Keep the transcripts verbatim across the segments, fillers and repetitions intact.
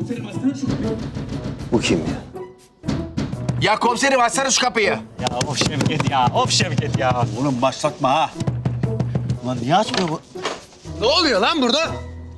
Komiserim açsana şu kapıyı. Bu kim ya? Ya komiserim açsana şu kapıyı. Ya of Şevket ya, of Şevket ya. Oğlum başlatma ha. Ulan niye açmıyor bu? Ne oluyor lan burada?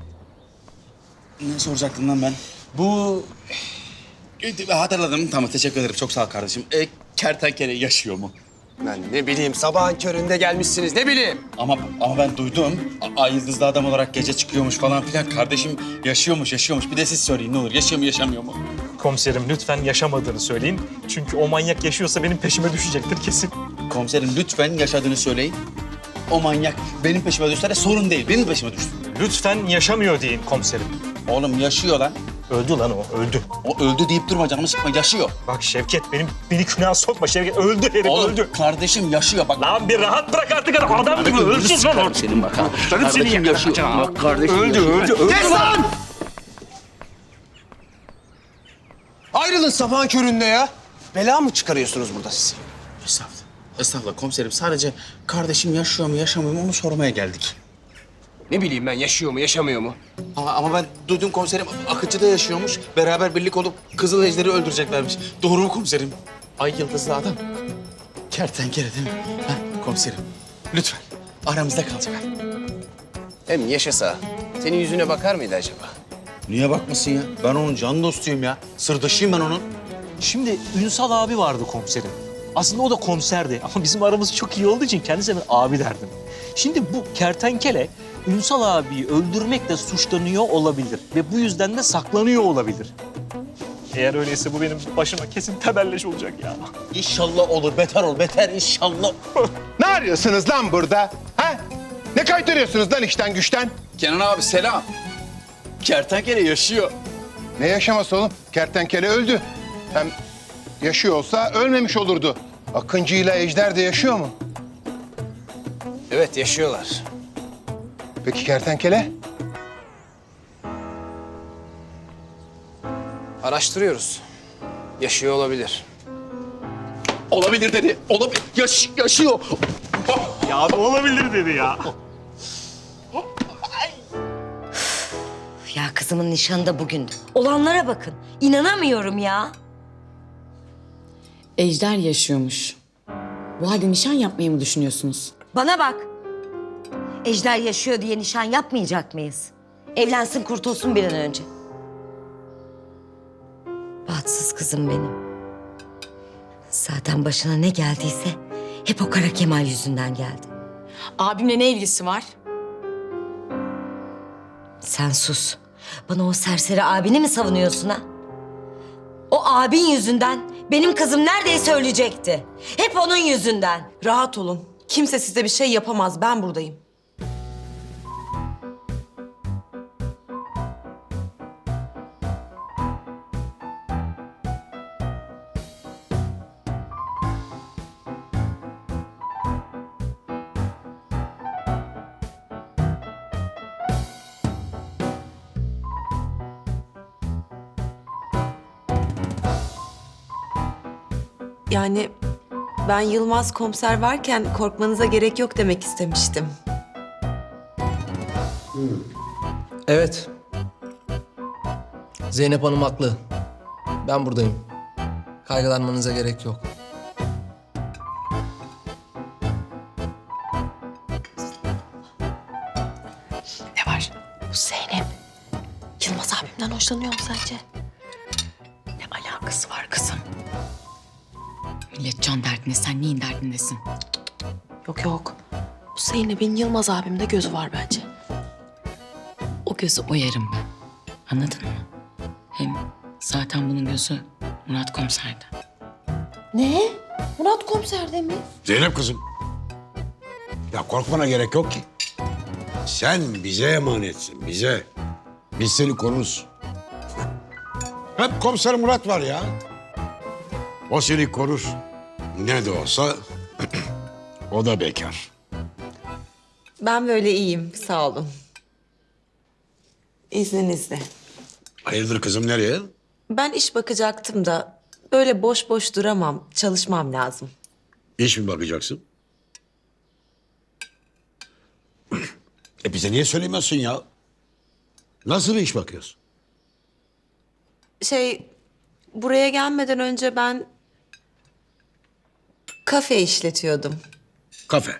Ne soracaktım lan ben? Bu... E, Hatırladım. Tamam, teşekkür ederim. Çok sağ ol kardeşim. E, kertenkele yaşıyor mu? Ben ne bileyim sabahın köründe gelmişsiniz ne bileyim. Ama ama ben duydum. A- Ay yıldızlı adam olarak gece çıkıyormuş falan filan. Kardeşim yaşıyormuş, yaşıyormuş. Bir de siz söyleyin ne olur. Yaşıyor mu, yaşamıyor mu? Komiserim lütfen yaşamadığını söyleyin. Çünkü o manyak yaşıyorsa benim peşime düşecektir kesin. Komiserim lütfen yaşadığını söyleyin. O manyak benim peşime düşse de sorun değil. Benim peşime düşsün. Lütfen yaşamıyor deyin komiserim. Oğlum yaşıyor lan. Öldü lan o, öldü. O öldü deyip durma, canımı sıkma. Yaşıyor. Bak Şevket, benim beni günah sokma Şevket. Öldü herif, Oğlum öldü. kardeşim yaşıyor bak. Lan bir rahat bırak artık adam. Adam gibi ölsün lan. Senin bak ha. Kardeşim yaşıyor. Bak kardeşim Öldü, öldü, öldü. Kes lan! Ayrılın sabahın köründe ya. Bela mı çıkarıyorsunuz burada siz? Estağfurullah. Estağfurullah komiserim. Sadece kardeşim yaşıyor mu, yaşamıyor mu onu sormaya geldik. Ne bileyim ben yaşıyor mu yaşamıyor mu? Ama, ama ben duydum komiserim. Akıncı'da yaşıyormuş. Beraber birlik olup Kızıl Ejder'i öldüreceklermiş. Doğru mu komiserim? Ay yıldızlı adam. Kertenkele değil mi? Ha, komiserim. Lütfen. Aramızda kalacak. Hem yaşasa senin yüzüne bakar mıydı acaba? Niye bakmasın ya? Ben onun can dostuyum ya. Sırdaşıyım ben onun. Şimdi Ünsal abi vardı komiserim. Aslında o da komiserdi ama bizim aramız çok iyi olduğu için kendisine ben abi derdim. Şimdi bu kertenkele Ünsal abiyi öldürmekle suçlanıyor olabilir ve bu yüzden de saklanıyor olabilir. Eğer öyleyse bu benim başıma kesin tebelleş olacak ya. İnşallah olur. Beter ol. Beter inşallah. Ne arıyorsunuz lan burada? Ha? Ne kaytarıyorsunuz lan işten güçten? Kenan abi selam. Kertenkele yaşıyor. Ne yaşaması oğlum? Kertenkele öldü. Hem yaşıyor olsa ölmemiş olurdu. Akıncı ile Ejder de yaşıyor mu? Evet yaşıyorlar. Peki kertenkele? Araştırıyoruz. Yaşıyor olabilir. Olabilir dedi. Olabilir. Yaş yaşıyor. Ya abi olabilir dedi ya. Ya kızımın nişanı da bugündü. Olanlara bakın. İnanamıyorum ya. Ejder yaşıyormuş. Bu halde nişan yapmayı mı düşünüyorsunuz? Bana bak. Ejder yaşıyor diye nişan yapmayacak mıyız? Evlensin kurtulsun bir an önce. Bahtsız kızım benim. Zaten başına ne geldiyse hep o Kara Kemal yüzünden geldi. Abimle ne ilgisi var? Sen sus. Bana o serseri abini mi savunuyorsun ha? O abin yüzünden benim kızım neredeyse ölecekti. Hep onun yüzünden. Rahat olun. Kimse size bir şey yapamaz. Ben buradayım. Yani ben Yılmaz komiser varken korkmanıza gerek yok demek istemiştim. Evet. Zeynep Hanım haklı. Ben buradayım. Kaygılanmanıza gerek yok. Ne var? Bu Zeynep. Yılmaz abimden hoşlanıyor mu sence? Ne alakası var kızım? Millet can derdinde, sen neyin derdindesin? Yok yok. Bu Zeynep'in Yılmaz abimde gözü var bence. O gözü oyarım ben. Anladın mı? Hem zaten bunun gözü Murat komiserde. Ne? Murat komiserde mi? Zeynep kızım. Ya korkmana gerek yok ki. Sen bize emanetsin, bize. Biz seni koruruz. Hep komiser Murat var ya. O seni korur. Ne de olsa o da bekar. Ben böyle iyiyim. Sağ olun. İzninizle. Hayırdır kızım, nereye? Ben iş bakacaktım da böyle boş boş duramam. Çalışmam lazım. İş mi bakacaksın? E bize niye söylemiyorsun ya? Nasıl bir iş bakıyorsun? Şey, buraya gelmeden önce ben kafe işletiyordum. Kafe.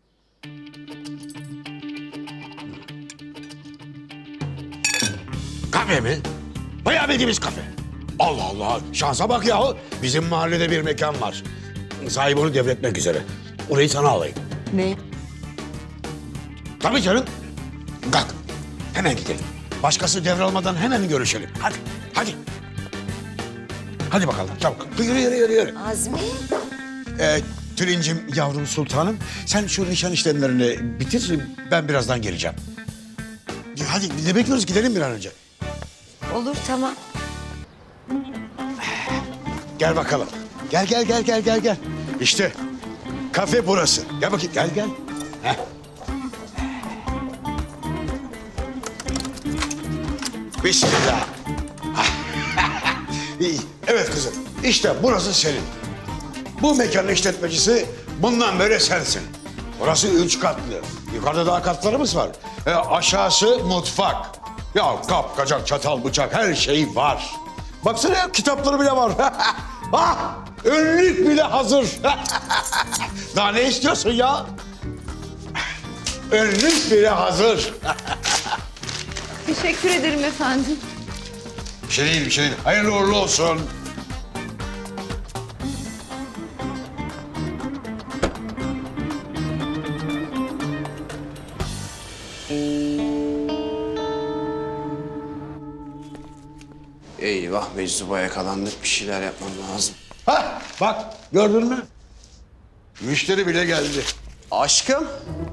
Kafe mi? Bayağı bildiğimiz kafe. Allah Allah, şansa bak ya. Bizim mahallede bir mekan var. Sahibi onu devretmek üzere. Orayı sana alayım. Ne? Tabii canım. Kalk, hemen gidelim. Başkası devralmadan hemen görüşelim. Hadi, hadi. Hadi bakalım, çabuk. Yürü, yürü, yürü, yürü. Azmi. Ee, Tülincim, yavrum sultanım, sen şu nişan işlemlerini bitir, ben birazdan geleceğim. Ya hadi, ne bekliyoruz? Gidelim bir an önce. Olur tamam. Gel bakalım. Gel, gel, gel, gel, gel, gel. İşte kafe burası. Gel bakayım, gel, gel. Heh. Bismillah. İyi. Evet kızım, işte burası senin. Bu mekanın işletmecisi bundan böyle sensin. Burası üç katlı. Yukarıda daha katlarımız var. E, aşağısı mutfak. Ya kap, kacak, çatal, bıçak her şey var. Baksana ya, kitapları bile var. Ah, önlük bile hazır. Daha ne istiyorsun ya? Önlük bile hazır. Teşekkür ederim efendim. Bir şey değil, bir şey değil. Hayırlı uğurlu olsun. Eyvah meczuba yakalandık. Bir şeyler yapmam lazım. Hah, bak gördün mü? Müşteri bile geldi. Aşkım.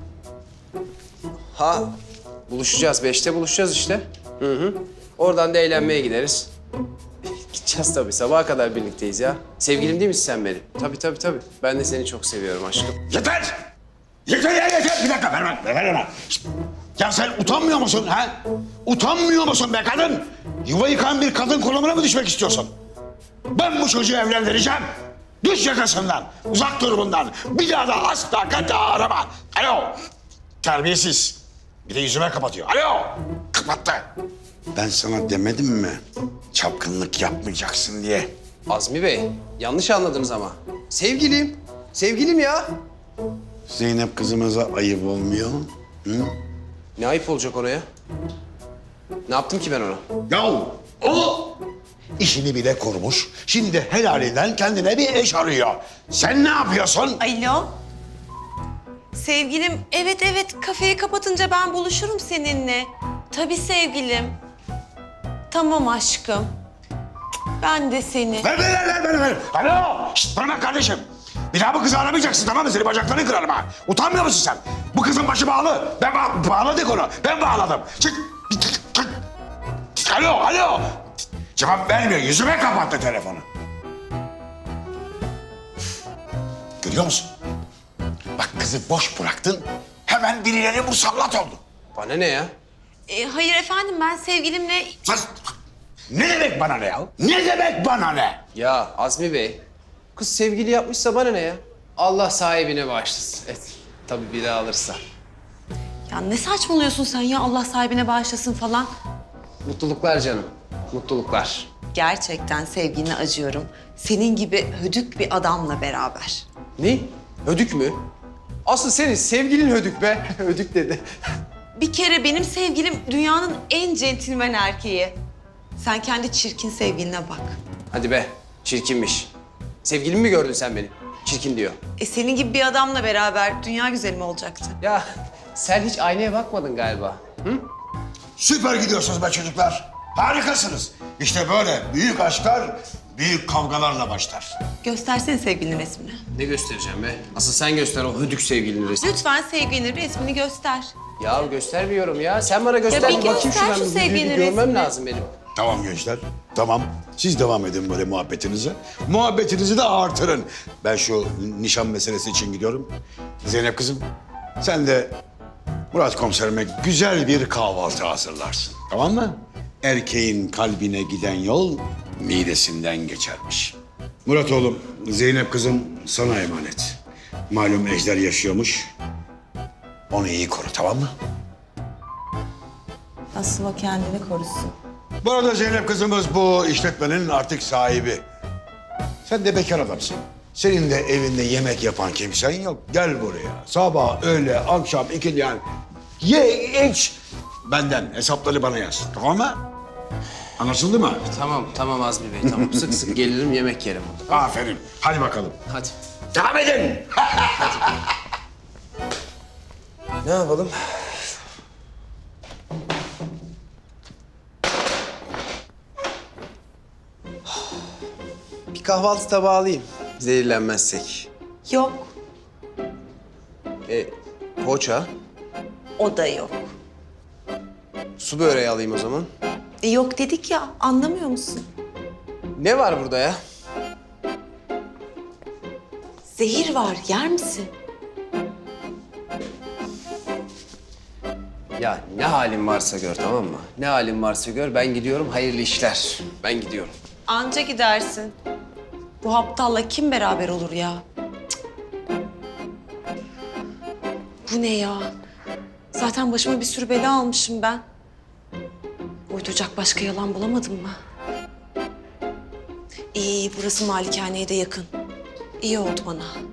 Ha buluşacağız. Beşte buluşacağız işte. Hı hı. Oradan da eğlenmeye gideriz. Gideceğiz tabii. Sabaha kadar birlikteyiz ya. Sevgilim değil misin sen benim? Tabii tabii tabii. Ben de seni çok seviyorum aşkım. Yeter! Yeter ya yeter! Bir dakika ver bak, ver ver. Şişt! Ya sen utanmıyor musun ha? Utanmıyor musun be kadın? Yuva yıkan bir kadın konumuna mı düşmek istiyorsun? Ben bu çocuğu evlendireceğim. Düş yakasından, uzak dur bundan. Bir daha da asla kata arama. Alo! Terbiyesiz. Bir de yüzüme kapatıyor. Alo! Kapattı. Ben sana demedim mi? Çapkınlık yapmayacaksın diye. Azmi Bey yanlış anladınız ama. Sevgilim. Sevgilim ya. Zeynep kızımıza ayıp olmuyor. Hı? Ne ayıp olacak ona ya? Ne yaptım ki ben ona? Ya o işini bile kurmuş. Şimdi helalinden kendine bir eş arıyor. Sen ne yapıyorsun? Alo. Sevgilim, evet evet kafeyi kapatınca ben buluşurum seninle. Tabii sevgilim. Tamam aşkım. Ben de seni. Ver, ver, ver, ver, ver. Alo! Şişt, bana bak kardeşim. Bir daha bu kızı aramayacaksın, tamam mı? Senin bacaklarını kırarım ha. Utanmıyor musun sen? Bu kızın başı bağlı. Ben ba bağladık onu. Ben bağladım. Çık. Çık. Alo, alo. Cevap vermiyor. Yüzüme kapattı telefonu. Görüyor musun? Bak kızı boş bıraktın. Hemen birileri musallat oldu. Bana ne ya? E, hayır efendim ben sevgilimle... Sen... Ne demek bana ne ya? Ne demek bana ne? Ya Azmi Bey, kız sevgili yapmışsa bana ne ya? Allah sahibine bağışlasın. Evet, tabii biri alırsa. Ya ne saçmalıyorsun sen ya Allah sahibine bağışlasın falan. Mutluluklar canım, mutluluklar. Gerçekten sevgiline acıyorum. Senin gibi hödük bir adamla beraber. Ne? Hödük mü? Asıl senin sevgilin hödük be. Hödük dedi. Bir kere benim sevgilim dünyanın en centilmen erkeği. Sen kendi çirkin sevgiline bak. Hadi be, çirkinmiş. Sevgilimi mi gördün sen benim? Çirkin diyor. E senin gibi bir adamla beraber dünya güzeli mi olacaktı? Ya sen hiç aynaya bakmadın galiba. Hı? Süper gidiyorsunuz be çocuklar. Harikasınız. İşte böyle büyük aşklar büyük kavgalarla başlar. Göstersene sevgilinin resmini. Ne göstereceğim be? Asıl sen göster o hödük sevgilinin resmini. Lütfen sevgilinin resmini göster. Ya göstermiyorum ya. Sen bana göster. Ya bir bakayım göster şuradan. şu Bir- bir sevgilinin Görmem resmini. lazım benim. Tamam gençler, tamam. Siz devam edin böyle muhabbetinize. Muhabbetinizi de artırın. Ben şu nişan meselesi için gidiyorum. Zeynep kızım, sen de Murat komiserime güzel bir kahvaltı hazırlarsın. Tamam mı? Erkeğin kalbine giden yol midesinden geçermiş. Murat oğlum, Zeynep kızım sana emanet. Malum Ejder yaşıyormuş. Onu iyi koru, tamam mı? Asıl o kendini korusun. Bu arada Zeynep kızımız bu işletmenin artık sahibi. Sen de bekar adamsın. Senin de evinde yemek yapan kimsen yok. Gel buraya. Sabah, öğle, akşam, ikindi yani. Ye, iç. Benden hesapları bana yaz. Tamam mı? Anlaşıldı mı? Tamam, tamam Azmi Bey, tamam. Sık sık gelirim, yemek yerim burada. Aferin. Hadi bakalım. Hadi. Devam edin. Ne yapalım? Bir kahvaltı tabağı alayım. Zehirlenmezsek. Yok, E, poğaça, o da yok. su böreği alayım o zaman. E, yok dedik ya, anlamıyor musun? Ne var burada ya? Zehir var, yer misin? Ya ne halin varsa gör, tamam mı? Ne halin varsa gör, ben gidiyorum, hayırlı işler. Ben gidiyorum. Anca gidersin. Bu aptalla kim beraber olur ya? Cık. Bu ne ya? Zaten başıma bir sürü bela almışım ben. Uyduracak başka yalan bulamadım mı? İyi, iyi, burası malikaneye de yakın. İyi oldu bana.